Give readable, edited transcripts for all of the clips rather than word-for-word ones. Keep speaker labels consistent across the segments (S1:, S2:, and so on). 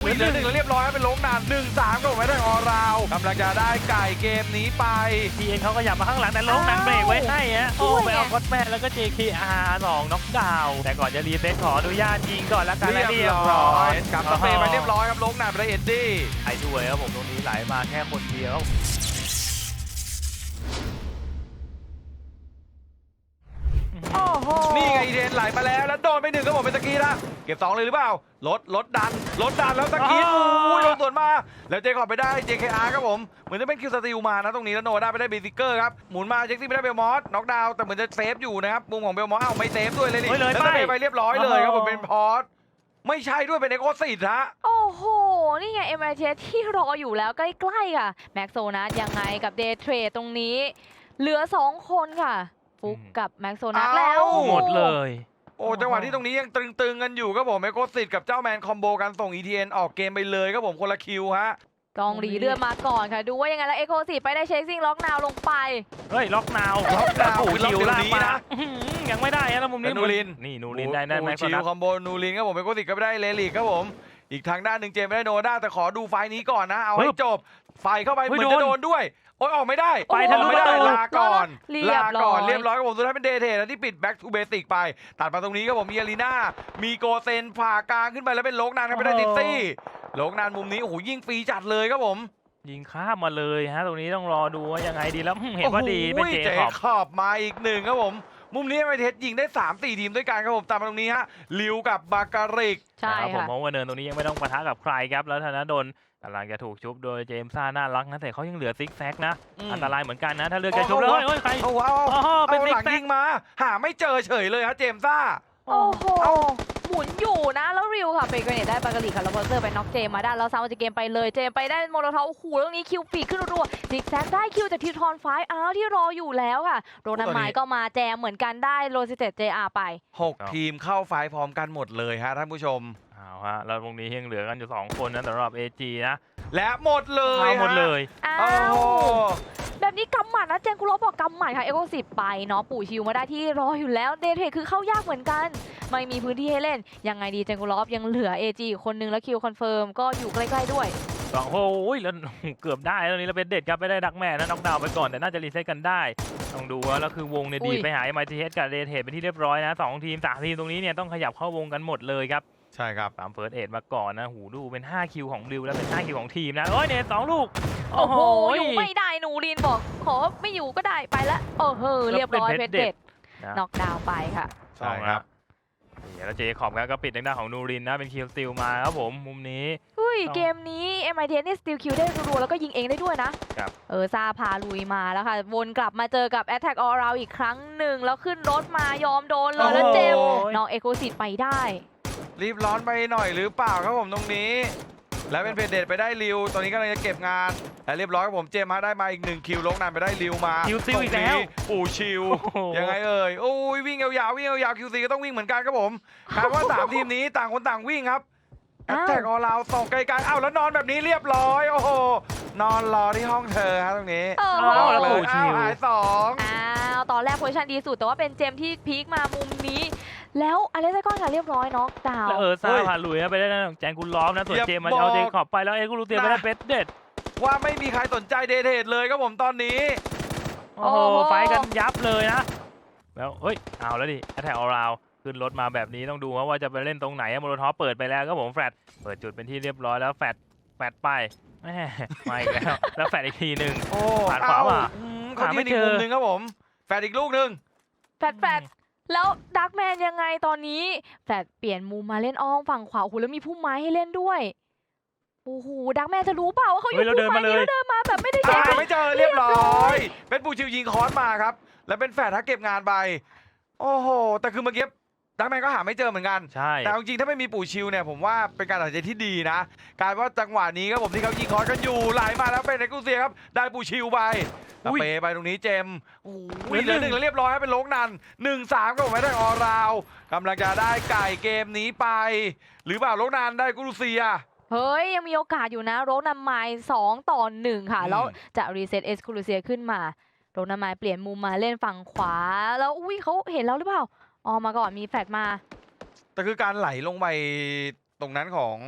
S1: เหลือ 1แล้วเรียบร้อยเป็นโลกนาน 1-3ก็ไม่ได้ออราวกำลังจะได้ไก่เกมนี้ไป
S2: ทีเอ็นเขาก็ยับมาข้างหลังแต่ลงนั้นเบรกไว้ให้ฮะโอ้ไปเอาคอสแมนแล้วก็ JKR 2น็อกดาวน์แต่ก่อนจะรีเซ็ตขออนุญาตยิงก่อนแล้วกันและเรียบร้อย
S1: กลับสเปย์ไปเรียบร้อยครับโลกนานไปได้เอ็ดดี้
S2: ไอ้ด้วยครับผมตรงนี้ไหลมาแค่คนเดียว
S3: โอ้โห
S1: นี่ไงอีเดนไหลมาแล้วโดนไป1ครับผมเป็นตะกี้ละเก็บ2เลยหรือเปล่าลดดันแล้วตะกี้โอ้ยโดนสวนมาแล้วเจคอบไปได้ JKR ครับผมเหมือนจะเป็นคิวสติลมานะตรงนี้แล้วโนด้าไปได้เบซิเกอร์ครับหมุนมาเจ็กซี่ไปได้เบลมอสน็อกดาวน์แต่เหมือนจะเซฟอยู่นะครับมุมของเบลมอสไม่เซฟด้วยเลยนี่แล้วสเปย์ไปเรียบร้อยเลยครับผมเป็นพอร์ตไม่ใช่ด้วยเป็นเอโกซิตฮะ
S3: โอ้โห นี่ไง MITS ที่รออยู่แล้วใกล้ๆค่ะแม็กโซนัสยังไงกับเดย์เทรดตรงนี้ เหลือ 2 คนค่ะ ฟุกกับแม็กโซนัสแล้ว
S2: หมดเลย
S1: โอ้จังหวะที่ตรงนี้ยังตึงๆกันอยู่ครับผมเอโกซิตกับเจ้าแมนคอมโบกันส่ง ETN ออกเกมไปเลยครับผมคนละคิวฮะ
S3: กองหลีเลื่อนมาก่อนค่ะ ดูว่ายังไงแล้วเอโคสิไปได้เชคซิ่งล็อกนาวลงไป
S2: เฮ้ยล็อกนาว
S1: ล็อกนาว
S2: โอ้โห
S1: คือล็อก
S2: คิว
S1: เดี๋ยว
S2: ลาก
S1: นี้
S2: มา
S1: นะ
S2: ยังไม่ได้นะแล้วมุมนี้
S1: นูริน
S2: นี่นูรินได้แม็กโซ
S1: ชิ
S2: นั
S1: ว
S2: ส
S1: คอมโบนูรินครับผมเอโกซิตก็ไม่ได้เลลิกครับผมอีกทางด้านหนึ่งเจมไม่ได้โนด้าแต่ขอดูไฟล์นี้ก่อนนะเอาให้จบไฟเข้าไปเหมือนจะโดนด้วยโอ้ยออกไม่ได้
S2: ไปทะลุ
S1: ไม่ได้
S2: ประตู
S1: ลาก่อน
S3: เรียบร้อย
S1: เรียบร้อยครับผมสุดท้ายเป็นเดเทนะที่ปิด back to basic ไปตัดมาตรงนี้ครับผมมีอารีนามีโกเซนผ่ากลางขึ้นไปแล้วเป็นโลกนานครับไม่ได้ติดซี่โลกนานมุมนี้โอ้โหยิงฟรีจัดเลยครับผม
S2: ยิงข้ามมาเลยฮะตรงนี้ต้องรอดูว่ายังไงดีแล้วเห็นว่าดีเป็นเจ
S1: เจ
S2: คอบ
S1: ขอบมาอีกหนึ่งครับผมมุมนี้ไม่เทสยิงได้ 3-4 ทีมด้วยกันครับผมตามมาตรงนี้ฮะลิวกับบาการิก
S3: ใช่
S2: นะครับผม
S3: ค่ะ
S2: มองว่าเนินตรงนี้ยังไม่ต้องปะทะกับใครครับแล้วธนดลกำลังจะถูกชุบโดยเจมส์ซ่าน่ารักนะแต่เขายังเหลือซิกแซกนะอันตรายเหมือนกันนะถ้าเลือกจะชุบแล้วเฮ้ยใคร
S1: เอาว้าว
S2: อ๋อเป็น
S1: เอา
S2: ซิ
S1: ห
S2: ก
S1: ลัง
S2: แซ
S1: ยิ
S2: ก
S1: งมาหาไม่เจอเฉยเลยฮะเจมส์ซ่า
S3: โอ้โห หมุนอยู่นะ แล้วริวค่ะเป็นเกรเนตได้บากาลีค่ะแล้วพอเซอร์ไปน็อกเจมมาได้แล้วซาวจะเกมไปเลยเจมไปได้โมโลทอฟโอ้โหเรื่องนี้คิวปีกขึ้นรัวๆซิกแซกได้คิวจากทีทอนไฟอ้าวที่รออยู่แล้วค่ะโรนันไมค์ก็มาแจมเหมือนกันได้โรซิเตต JR ไป
S1: 6 ทีมเข้าไฟล์พร้อมกันหมดเลยฮะท่านผู้ชม
S2: เอาฮะแล้วตรงนี้ยังเหลือกันอยู่2คนนะสำหรับ AG นะ
S1: และหมดเลย
S2: เอาหมดเลย
S3: อ้า
S1: โอ้
S3: ว
S1: โห
S3: แบบนี้กำหมัดนะเจนคุโรบอกกำหมัดค่ะเอโกสิบไปเนาะปู่ชิวมาได้ที่รออยู่แล้วเดทเทคือเข้ายากเหมือนกัน ไม่มีพื้นที่ให้เล่นยังไงดีเจนคุโรยังเหลือ AG อีกคนนึงแล้วคิวคอนเฟิร์มก็อยู่ใกล้ๆด้วย
S2: โอ้โหแล้วเกือบได้ตรงนี้เราเป็นเด็ดครับไม่ได้ดักแม่นะน็อกดาวน์ไปก่อนแต่น่าจะรีเซ็ตกันได้ต้องดูว่าแล้วคือวงเนี่ยดีไปหา MITS กับเดทเทเป็นที่เรียบร้อยนะ2 ทีม 3 ทีมตรงนี้เนี่ยต้องขยับเข้าวงกันหมดเลยครับ
S1: ใช่ครับ
S2: ตามเฟิร์สเอ็ดมาก่อนนะหูดูเป็น5คิวของริวแล้วเป็น5คิวของทีมนะโอ้ยเนี่ย2ลูก
S3: โอ้โหอยู่ไม่ได้หนูรินบอกขอไม่อยู่ก็ได้ไปละโอ้โหเรียบร้อยเพชรเด็ด
S2: นะ
S3: น็อกดาวน์ไปค่ะ
S1: ใช่ครับ
S2: นี่แล้วเจคอบก็ปิดทางด้านของนูรินนะเป็นคิวสติลมาครับผมมุมนี้
S3: เฮ้ย
S2: ต้อง
S3: เกมนี้ MITS นี่สติลคิวได้รัวๆแล้วก็ยิงเองได้ด้วยนะครับ ซาพาลุยมาแล้วค่ะ วนกลับมาเจอกับ Attack All Round อีกครั้งหนึ่ง แล้วขึ้นรถมายอมโดนเลยแล้วเจมส์
S2: โอ้ย
S3: น้องเอโคซิตไปได้
S1: รีบร้อนไปหน่อยหรือเปล่าครับผมตรงนี้ แล้วเป็นเพจเดทไปได้ริวตอนนี้กำลังจะเก็บงานและเรียบร้อยครับผมเจมส์ฮะได้มาอีก1 คิวลงนานไปได้ริวมา
S2: คิวซิลอีกแล้ว
S1: ตรงนี้ปู่ชิว
S2: โอ้โห
S1: ยังไงเอ่ยโอ้ยวิ่งยาวๆวิ่งยาวๆคิวซีก็ต้องวิ่งเหมือนกันครับผมคาดว่า 3 ทีมนี้ต่างคนต่างวิ่งครับแอต
S3: อ้าว
S1: แทกออลาวส่งไกลๆอ้าวแล้วนอนแบบนี้เรียบร้อยโอ้โหนอนรอที่ห้องเธอฮะตรงนี้
S3: โอ้โห
S2: อ้าวแล้ว
S1: เล
S2: ปู่
S1: ย
S2: ชิ
S1: อ้าว
S2: ว
S1: หาย2
S3: อ้าวตอนแรกโพซิชันดีสุดแต่ว่าเป็นเจมส์ที่พีคมามุมนี้ แล้วอเล็กซ์ก้อนค่ะเรียบร้อยน็อกดาว
S2: แล้ว
S3: น์
S2: ซาพาลุยนะไปได้นะแจงกุลล้อมนะส่วนเจมมันเอาเจคอบไปแล้วเอ็กซ์กูรูเตียไปได้เป็ดเด็ด
S1: ว่าไม่มีใครสนใจเดทเทดเลยครับผมตอนนี้
S2: โอ้โหไฟกันยับเลยนะแล้วเฮ้ยเอาแล้วดิแอตแทกออราวขึ้นรถมาแบบนี้ต้องดูว่าจะไปเล่นตรงไหนโมโลทอฟเปิดไปแล้วครับผมแฟลตเปิดจุดเป็นที่เรียบร้อยแล้วแฟลตไปแม่มาอีกแล้วแล้วแฟลตอีกทีหนึ่ง
S1: โอ้
S2: ผ่านขวามา
S1: เขา
S2: หาไม่
S1: ที่อีก
S2: เจอ
S1: มุมหนึ่งครับผมแฟดอีกลูกหนึ่ง
S3: แฟดแล้วดักแมนยังไงตอนนี้แฟดเปลี่ยนมุมมาเล่นอ้อมฝั่งขวาโอ้โหแล้วมีพุ่มไม้ให้เล่นด้วยโอ้โหดักแมนจะรู้เปล่าว่าเขาอยู่
S2: เฮ้ยเราเดิ
S3: พุ่
S2: น
S3: มไม้
S2: มาเลย
S3: นี้แล้วเดินมาแบบไม่ได้เช็ค
S1: ไม่เจอเรียบร้อย เป็นปูชิวยิงคอนมาครับ แล้วเป็นแฟดถ้าเก็บงานไป โอ้โห แต่คือเมื่อกี้ดักแมนก็หาไม่เจอเหมือนกัน
S2: ใช่
S1: แต่จริงๆถ้าไม่มีปู่ชิวเนี่ยผมว่าเป็นการตัดสินใจที่ดีนะ การว่าจังหวะนี้ครับผมที่เขายิงคอนกันอยู่ไหลมาแล้วเป็นเอกุเซียครับได้ปู่ชิวไปสเปย์ไปตรงนี้เจมส์โอ้โหเหลือ 1แล้วเรียบร้อยเป็นโลกนัน1-3ก็ไม่ได้ออราวกำลังจะได้ไก่เกมนี้ไป หรือเปล่าโลกนันได้กุลูเซีย
S3: เฮ้ยยังมีโอกาสอยู่นะโรนัมไมล์2-1ค่ะแล้วจะรีเซ็ตเอสคูลูเซียขึ้นมาโรนัมไมล์เปลี่ยนมุมมาเล่นฝั่งขวาแล้วอุ้ยเขาเห็นแล้วหรือเปล่าอ๋อมาก่อนมีแฟลตมา
S1: แต่คือการไหลลงไปตรงนั้นของ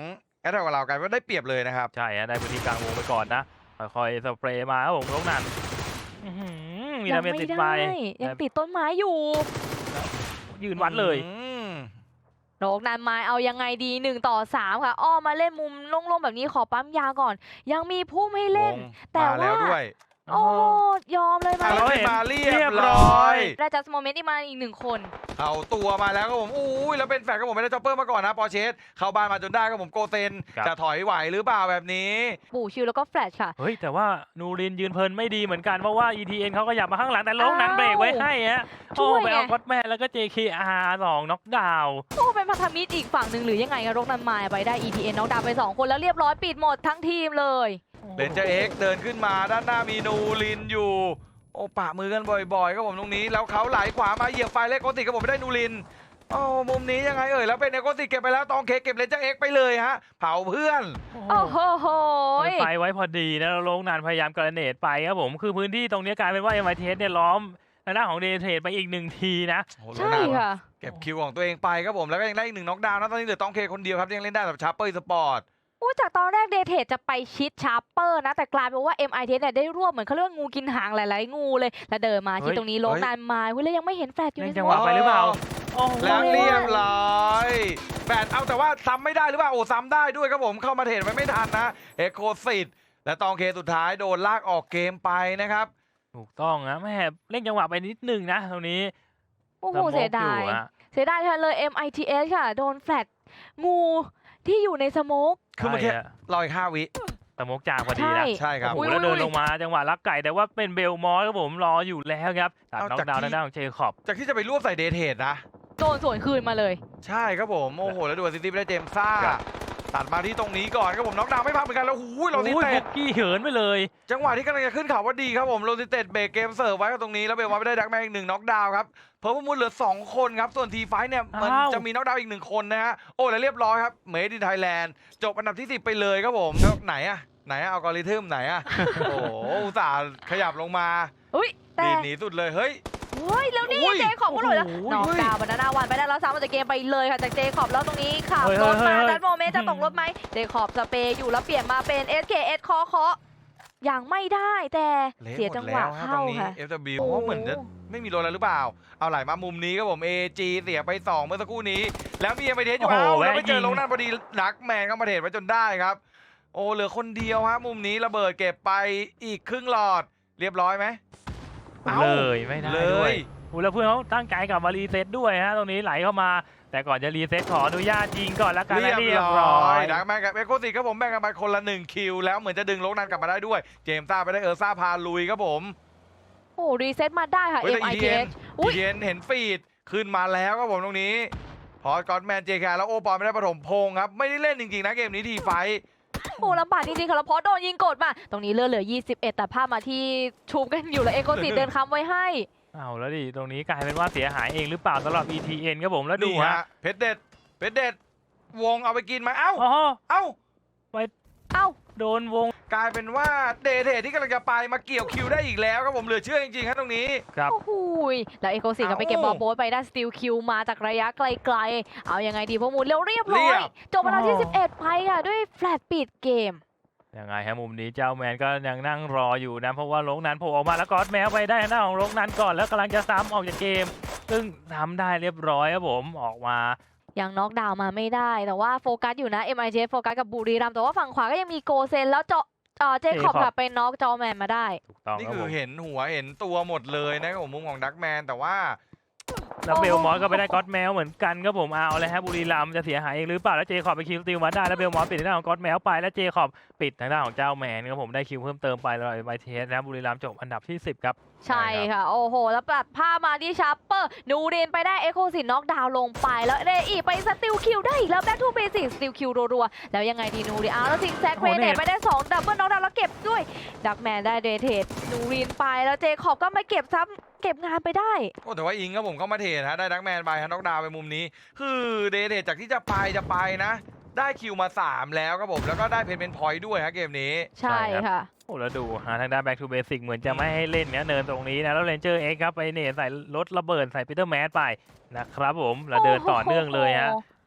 S1: แอตแทกกับเรากันว่าได้เปรียบเลยนะครับ
S2: ใช่ฮะได้พื้นที่กลางวงไปก่อนนะค่อยๆสเปรย์มาครับผมโลกนั้นมี
S3: ยั
S2: ดาเมจ
S3: ไม่
S2: ติด
S3: ได้
S2: ไป
S3: ยังติดต้นไม้อยู่
S2: ยืนวัดเลย
S3: โลกนั้นไม้เอายังไงดี1 ต่อ 3ค่ะอ้อมมาเล่นมุมโล่งๆแบบนี้ขอปั๊มยาก่อน ยังมีพุ่มให้เล่น แต่
S1: มาแล้ว
S3: ว่า
S1: ด้วย
S3: โอ้ยอมเลยไหม
S1: อ่ะแล้ว
S2: เห็น
S1: มาเรี
S2: เรี
S1: ย
S2: ย
S1: บบ ร้
S2: ร้
S1: อ
S2: อย ย
S3: ได้จัสโมเมนต์ที่มาอีก1 คน
S1: เอาตัวมาแล้วครับผมอุ้ยแล้วเป็นแฟนครับผมไม่ได้จ็อปเปอร์มาก่อนนะปอเชสเข้าบ้านมาจนได้ครับผมโกเซน
S2: ครับ
S1: จะถอยไหวหรือเปล่าแบบนี้
S3: ปู่ชิวแล้วก็แฟลชค่ะ
S2: เฮ้ยแต่ว่านูรินยืนเพลินไม่ดีเหมือนกันเพราะว่า ETN เขาก็หยับมาข้างหลังแต่โลกนั้น
S3: อ้าว
S2: เบรกไว้ให้ฮะ
S3: ช่
S2: โอ้
S3: วย
S2: ไปเอา
S3: ไง
S2: ก็อตแมนแล้วก็ JKR 2น็อกดาวน์
S3: โอ้เป็นพันธมิตรอีกฝั่งหนึ่งหรือยังไงกันโลกนั้นไม้ไปได้ ETN น้องดาวไป2 คนแล้วเรียบร้อยปิดหมดทั้งทีมเลย
S1: เดนเจอร์เอ็กเดินขึ้นมาด้านหน้ามีนูรินอยู่ โอ้ปะมือกันบ่อยๆครับผมตรงนี้แล้วเขาไหลขวามาเหยียบไฟเล็กโกติครับผมไม่ได้นูรินโอ้มุมนี้ยังไงเอ่ยแล้วเป็นเอโกติเก็บไปแล้วตองเคเก็บเลนเจอร์เอ็กไปเลยฮะเผาเพื่อน
S3: โอ้โหโหย
S2: ไฟไว้พอดีนะแล้วโลกนั้นพยายามกระเนตไปครับผมคือพื้นที่ตรงนี้กลายเป็นว่า MITS เนี่ยล้อมทางด้านของเดเทรดไปอีก1 ทีนะ
S1: โอ้โห
S3: ใช่
S1: โรนัล
S3: ค่ะ
S1: เก็บคิวของตัวเองไปครับผมแล้วก็ยังได้อีก1น็อกดาวน์นะตอนนี้เหลือตองเคคนเดียวครับยังเล่นได้แบบชาร์เปอร์สปอร์ต
S3: อู้จากตอนแรกเดเทจะไปชิดชาร์เปอร์นะ แต่กลายเป็นว่า MIT เนี่ยได้รวบเหมือนเขาเรียกว่างูกินหางหลายๆงูเลย แล้วเดินมาที่ตรงนี้โลกนานมาเฮ้ยแล้วยังไม่เห็นแฟลชอยู่
S2: เล่
S3: ใน
S2: นจังหวะไปหรือเปล่าโอ้โห
S1: แล้วเรียบร้อยแปดเอาแต่ว่าซ้ำไม่ได้หรือเปล่าโอ้ซ้ำได้ด้วยครับผมเข้ามาเทรดไว้ไม่ทันนะเอโคซิตและตองเคสุดท้ายโดนลากออกเกมไปนะครับ
S2: ถูกต้องนะแม่เล่นจังหวะไปนิดนึงนะตรงนี้
S3: โอ้โห
S2: สโมก
S3: เสียดาย
S2: อยู่อะ
S3: เสียดายแทนเลย MITS ค่ะ โดนแฟลชงูที่อยู่ในสโมก
S1: คือเมื่อกี้
S2: ใช่ะ
S1: รออีก5 วิ
S2: สโมกจางพอดีนะ
S1: ใช่ครับ
S2: โอ้โห
S3: อุ๊ย
S2: แล้ว
S3: อุ๊ย
S2: เดินลงมาจังหวะลักไก่แต่ว่าเป็นเบลมอสครับผมรออยู่แล้วครับตัด
S1: เอา
S2: น็อก
S1: จาก
S2: ดาวน์
S1: ที่
S2: ทางด้านของเจคอบ
S1: จากที่จะไปรวบใส่เดทเทดนะ
S3: โดนสวนคืนมาเลย
S1: ใช่ครับผมโอ้โหแล้วดูซิตี้ไปได้เจมส์ซ่า
S2: ครับ
S1: ตัดมาที่ตรงนี้ก่อนครับผมน็อกดาวน์ไม่พักเหมือนกันแล้วหูยโรซิ
S2: โอ้ย
S1: เต็
S2: บุ
S1: ด
S2: กกี้เหินไปเลย
S1: จังหวะที่กำลังจะขึ้นเขาว่าดีครับผมโรซิเต็ดเบรกเกมเสิร์ฟไว้กับตรงนี้แล้วเบลมาไม่ได้ดักแมนอีก1น็อกดาวน์ครับเพิ่มมูลเหลือ2 คนครับส่วนทีไฟเนี่ยมัน
S2: อ้าว
S1: จะมีน็อกดาวน์อีก1 คนนะฮะโอ้แล้วเรียบร้อยครับเมดินไทยแลนด์จบอันดับที่10ไปเลยครับผมแล้วไหนอะอัลกอริทึมไหนอะ โอ้โหอุตส่าห์ขยับลงมา
S3: อุ้ยแต่
S1: ดีดหนีสุดเลยเฮ้ย
S3: เฮ้ยแล้วนี่
S1: อุ้ย
S3: เจคอบก็หลุดแล้ว
S2: โอ้โห
S3: น้องดาวบรรณาวันไปได้แล้วซ้ำออกจากเกมไปเลยค่ะจากเจคอบแล้วตรงนี้ขับ
S2: เฮ้ย
S3: รถมา
S2: เฮ้ย
S3: ดันโมเมนต์จะตกรถไหมเจคอบสเปรย์อยู่แล้วเปลี่ยนมาเป็น SKS เคาะอย่างไม่ได้แต่
S1: เละ
S3: เสีย
S1: หม
S3: จั
S1: ด
S3: งห
S1: แล้ว
S3: วะ
S1: ฮะตร
S3: เข้าง
S1: นี้
S3: ค่ะ
S1: FW
S3: โอ้
S1: เพราะเหมือนจะไม่มีโดนอะไรหรือเปล่า เอาไหลมามุมนี้ครับผม AG เสียไป 2 เมื่อสักครู่นี้ แล้วมีเอเมเทสอยู่
S2: โอ้โห
S1: เอาแล้วไป
S2: แวะ
S1: เจอ
S2: ยิง
S1: ลงนั่นพอดีนักแมนก็มาเทรดไว้จนได้ครับ โอ้เหลือคนเดียวฮะมุมนี้ระเบิดเก็บไปอีกครึ่งหลอดเรียบร้อยไหม เอ้า
S2: เลยไม่ได้
S1: เล
S2: ด้วย
S1: ย
S2: โอ้แล้วเพื่อนเขาตั้งใจกลับมารีเซ็ตด้วยฮะตรงนี้ไหลเข้ามา แต่ก่อนจะรีเซ็ตขออนุญาตยิงก่อนแล้วกันนะ
S1: เรี
S2: เรี
S1: ย
S2: ย
S1: บบ ร้
S2: ร้
S1: อ
S2: อย ย
S1: ดักแมนกับเอโคติครับผมแบ่งกันไปคนละ1 คิวแล้วเหมือนจะดึงลงนั่นกลับมาได้ด้วย เจมส์ซ่าไปได้ซ่าพาลุยครับผม
S3: โอ้รีเซ็ตมาได้ค่ะ
S1: เฮ้ยแต่
S3: MITS อุ้ย
S1: เย็นเห็นฟีดขึ้นมาแล้วครับผมตรงนี้ พอก็อดแมนเจแคแล้วโอปอลไม่ได้ปฐมพงษ์ครับ ไม่ได้เล่นจริงๆนะเกมนี้ทีไฟท์
S3: โอ้ลำบากจริงๆค่ะแล้วพอโดนยิงกดมา ตรงนี้เลือดเหลือ 21 แต่ภาพมาที่ชูมกันอยู่แล้วเอโกติเดินค้ำไว้ให้
S2: เอาแล้วดิตรงนี้กลายเป็นว่าเสียหายเองหรือเปล่าสำหรับ ETN ครับผมแล้วดู
S1: นี่
S2: ฮะ
S1: ฮะเพชรเด็ดวงเอาไปกินไหมเอ้า
S2: อ๋อ
S1: เอ้า
S3: เอ้า
S2: โดนวง
S1: กลายเป็นว่าเดเทที่กำลังจะไปมาเกี่ยวคิวได้อีกแล้วครับผมเหลือเชื่อจริงๆครับตรงนี้
S2: ครับ
S3: โอ้โหยแล้วเอโกซิก็ไปเก็บบอลโบสไปได้สติลคิวมาจากระยะไกลๆ เอายังไงดีพวกมูลเร็วเรียบร้อย จบเวลาที่ 11 ไปค่ะ ด้วยแฟลตปิดเกม
S2: ยังไงฮะมุมนี้เจ้าแมนก็ยังนั่งรออยู่นะเพราะว่าโลกนั้นโผล่ออกมาแล้วก็อดแมวไปได้หน้าของโลกนั้นก่อนแล้วกำลังจะซ้ำออกจากเกม ซึ่งทำได้เรียบร้อยครับผมออกมา
S3: ยังน็อกดาวน์มาไม่ได้ แต่ว่าโฟกัสอยู่นะ MIT โฟกัสกับบุรีรัมย์แต่ว่าฝั่งขวาก็ยังมีโกเซนแล้วเจคอบค่ะไปน็อกจอแมนมาได้
S2: ถูกต้อง
S1: นี่
S2: ครับ
S1: คื
S2: ผ
S1: อ
S2: ม
S1: เห็นหัวเห็นตัวหมดเลยนะครับผมมุมของดักแมนแต่ว่า
S2: แล้วเบลมอสก็ไปได้ก็อดแมวเหมือนกันครับผมเอาเลยฮะบุรีรัมย์จะเสียหายเองหรือเปล่าแล้วเจคอบไปคิวสติลมาได้แล้วเบลมอสปิดทางด้านของก็อดแมวไปแล้วเจคอบปิดทางด้านของเจ้าแมนครับผมได้คิวเพิ่มเติมไปแล้วไบเทสนะบุรีรัมย์จบอันดับที่ 10 ครับ
S3: ใช่ค่ะ โอ้โห แล้วตัดผ้าพมาที่ชาร์เปอร์ นูเรนไปได้เอโคซินน็อกดาวน์ลงไป แล้วเรอีไปสติลคิวได้อีกแล้วแบ็คทูเบสิกสติลคิวรัวๆ แล้วยังไงดีนูเรนแล้วซิงแซกเรเนตไปได้2ดับเบิลน็อกดาวน์แล้วเก็บด้วย ดักแมนได้เดเทดนูเรนไปแล้วเจคอบก็มาเก็บซ้ำเก็บงานไปได้
S1: โอ้แต่ว่าอิงครับผมเข้ามาเทรดฮะได้ดักแมนไปฮะน็อกดาวน์ไปมุมนี้ คือเดเทจากที่จะไปนะ ได้คิวมา 3 แล้วครับผมแล้วก็ได้เพนเป็นพอยต์ด้วยฮะเกมนี้
S3: ใช่ค่ะ
S2: โอ้แล้วดูทางด้าน back to basic เหมือนจะไม่ให้เล่นเนี่ยเนินตรงนี้นะแล้วเรนเจอร์เอ็กครับไปเนตใส่รถระเบิดใส่ปีเตอร์แมสไปนะครับผมแล้วเดินต่อเนื่องเลยฮะ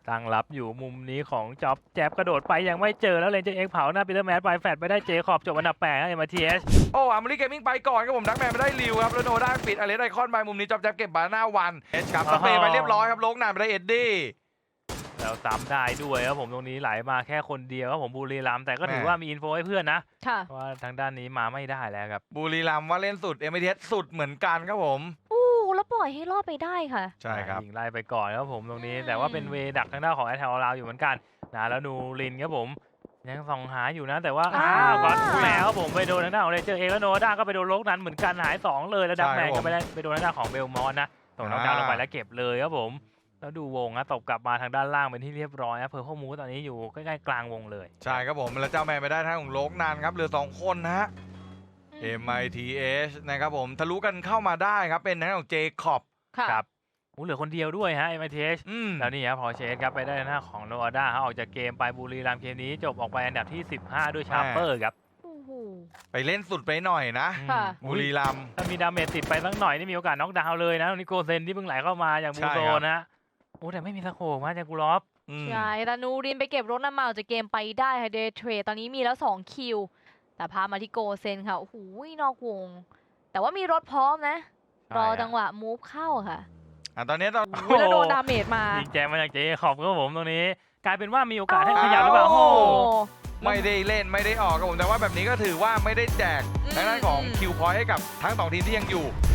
S2: ตั้งรับอยู่มุมนี้ของจ็อบแจ๊บกระโดดไปยังไม่เจอแล้วเลนเจอร์เอ็กเผาหน้าปีเตอร์แมนไปแฟดไปได้เจคอบจบอันดับ8ครับ MTS
S1: โอ้อาร์มอรี่เกมมิ่งไปก่อนครับผมดักแมนไปได้ริวครับแล้วโนด้าปิดอเลสไอคอนไปมุมนี้จอบแจ๊บเก็บบานาวันเอชครับสเปย์ไปเรียบร้อยครับโลกนานไปได้เอ็ดดี้
S2: แล้วซ้ำได้ด้วยครับผมตรงนี้ไหลมาแค่คนเดียวครับผมบุรีรัมย์แต่ก็ถือ
S1: แม่
S2: ว่ามีอินโฟให้เพื่อนนะ
S3: ค่ะ
S2: เพราะว่าทางด้านนี้มาไม่ได้แล้วครับ
S1: บุรีรัมย์ว่าเล่นสุด MTS สุดเหมือนกันครับผม
S3: อู้แล้วปล่อยให้รอดไปได้ค่ะ
S1: ใช่ครับ
S2: ยิงไล่ไปก่อนครับผมตรงนี้
S3: อืม
S2: แต่ว่าเป็นเวดักทางด้านของแอตแทลลาวอยู่เหมือนกันนะแล้วนูรินครับผมยังส่องหาอยู่นะแต่ว่าก่อนแล้วครับผมไปโดนทางด้านของเรเจอร์เองแล้วโนด้าก็ไปโดนโลกนั้นเหมือนกันหาย2เลยแล้วดักแมนก็ไปโดนทางด้านของเบลมอนนะส่งน้องดาวลงไปแล้วเก็บเลยครับผมแล้วดูวงนะตบกลับมาทางด้านล่างเป็นที่เรียบร้อยนะเพอร์พมูตอนนี้อยู่ใกล้ๆกลางวงเลย
S1: ใช่ครับผมแล้วเจ้าแมนไปได้ทางของโลกนานครับเหลือ2คนนะฮะ MITH นะครับผมทะลุกันเข้ามาได้ครับเป็นทางด้านของเจคอบ
S3: ค่ะ
S2: ครับเหลือคนเดียวด้วยฮะ MITH แล้วนี่ครับพอเชสครับไปได้หน้าของโนอาด้าออกจากเกมไปบุรีรัมย์เกมนี้จบออกไปอันดับที่ 15 ด้วยชาร์เปอร์ครับ
S3: โอ้โห
S1: ไปเล่นสุดไปหน่อยนะ
S3: ค่ะ
S1: บุรีรัมย์
S2: ถ้ามีดาเมจติดไปสักหน่อยนี่มีโอกาสน็อกดาวน์เลยนะตรงนี้โกเซนที่เพิ่งไหลเข้ามาอย่างบู
S1: ใช่
S2: โซ
S1: ครับ
S2: นะโอ้แต่ไม่มีสโคปมาจากกูรอฟ
S3: ใช่แต่นูรินไปเก็บรถน้ำมันออกจากเกมไปได้ค่ะเดย์เทรดตอนนี้มีแล้ว2คิวแต่พามาที่โกเซนค่ะโอ้โหนอกวง แต่ว่ามีรถพร้อมนะ รอจังหวะมูฟเข้าค่ะ
S1: ตอนนี้ตอน
S3: โอ้ยแล้วโดนดาเมจมา
S2: ยิงแจมมาจากเจขอบครับผมตรงนี้ กลายเป็นว่ามีโอกาสให้ขยับหรือเปล่า
S3: โอ้
S2: โอ้
S3: โห
S1: ไม่ได้เล่นไม่ได้ออกครับผมแต่ว่าแบบนี้ก็ถือว่าไม่ได้แจกทางด้านของคิวพอยต์ให้กับทั้ง2ทีมที่ยังอยู่